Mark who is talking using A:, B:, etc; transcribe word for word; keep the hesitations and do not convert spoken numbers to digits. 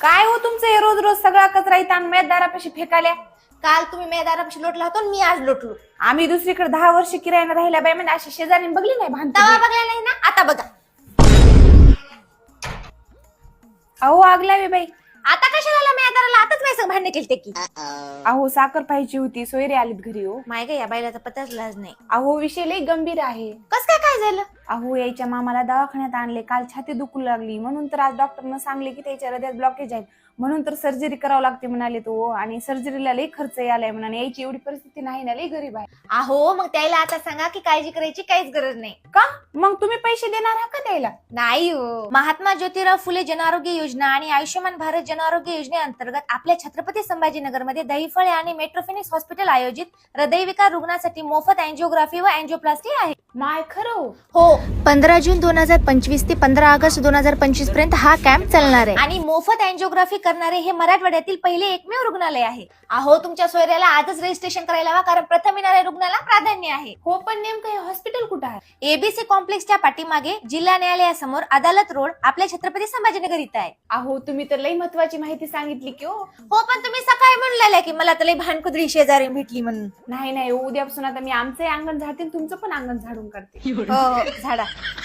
A: काय हो तुमचं हे रोज रोज सगळा कचरा इथं आणून माझ्या दारापाशी फेकाल्या.
B: काल तुम्ही माझ्या दारापाशी लोटला होता आणि मी आज लोटलो.
A: आम्ही दुसरीकडे दहा वर्ष किरायाने राहिल्या बाई म्हणजे अशी शेजारी बघली नाही भांडते.
B: तवा बघला नाही ना, आता बघा.
A: अहो आग लावी बाई.
B: आता कशाला आला माझ्या दाराला? आताच माझ्या संग भांडणे केली की.
A: अहो साखर पाहिजे होती, सोयरे आलीत घरी हो.
B: माय ग या बाईला पत्ताच लाज नाही.
A: अहो विषय लई गंभीर आहे.
B: कस काय काय झालं?
A: अहो यायच्या मामाला दवाखान्यात आणले, काल छाती दुखू लागली म्हणून तर आज डॉक्टरनं सांगले की त्याच्या हृदयात ब्लॉकेज आहे म्हणून तर सर्जरी करावं लागते म्हणाले तो. आणि सर्जरीला लई खर्च यायलाय म्हणाले, यायची एवढी परिस्थिती नाही ना, लई गरीब आहे.
B: अहो मग त्याला आता सांगा की काळजी करायची काहीच गरज नाही.
A: का मग तुम्ही पैसे देणार आहात का द्यायला?
B: नाही हो. महात्मा ज्योतिराव फुले जनआरोग्य योजना आणि आयुष्यमान भारत जनआरोग्य योजनेअंतर्गत आपल्या छत्रपती संभाजीनगरमध्ये दहीफळे आणि मेट्रोफिनिक्स हॉस्पिटल आयोजित हृदयविकार रुग्णांसाठी मोफत अँजिओग्राफी व अँजिओप्लास्टी आहे.
A: माय खरं
B: हो. पंधरा जून दोन हजार पंचवीस ते पंधरा ऑगस्ट दोन हजार पंचवीस पर्यंत हा कॅम्प चालणार आहे. आणि मोफत अँजिओग्राफी करणारे हे मराठवाड्यातील पहिले एकमेव रुग्णालय आहे. अहो तुमच्या सोयऱ्याला आजच रजिस्ट्रेशन करायला हवा, कारण प्रथम येणाऱ्या रुग्णाला प्राधान्य आहे.
A: हो पण नेमकं हे हॉस्पिटल कुठं आहे?
B: एबीसी कॉम्प्लेक्सच्या पाठीमागे जिल्हा न्यायालयासमोर अदालत रोड आपल्या छत्रपती संभाजीनगर इथं आहे.
A: अहो तुम्ही तर लई महत्वाची माहिती सांगितली की हो.
B: हो पण तुम्ही सकाळी म्हणलेल्या की मला तर लई भानकुदरी शेजारी भेटली म्हणून.
A: नाही नाही उद्यापासून आता मी आमचंही अंगण झाडते तुमचं पण अंगण झाडून काढते.
B: हो झाडा.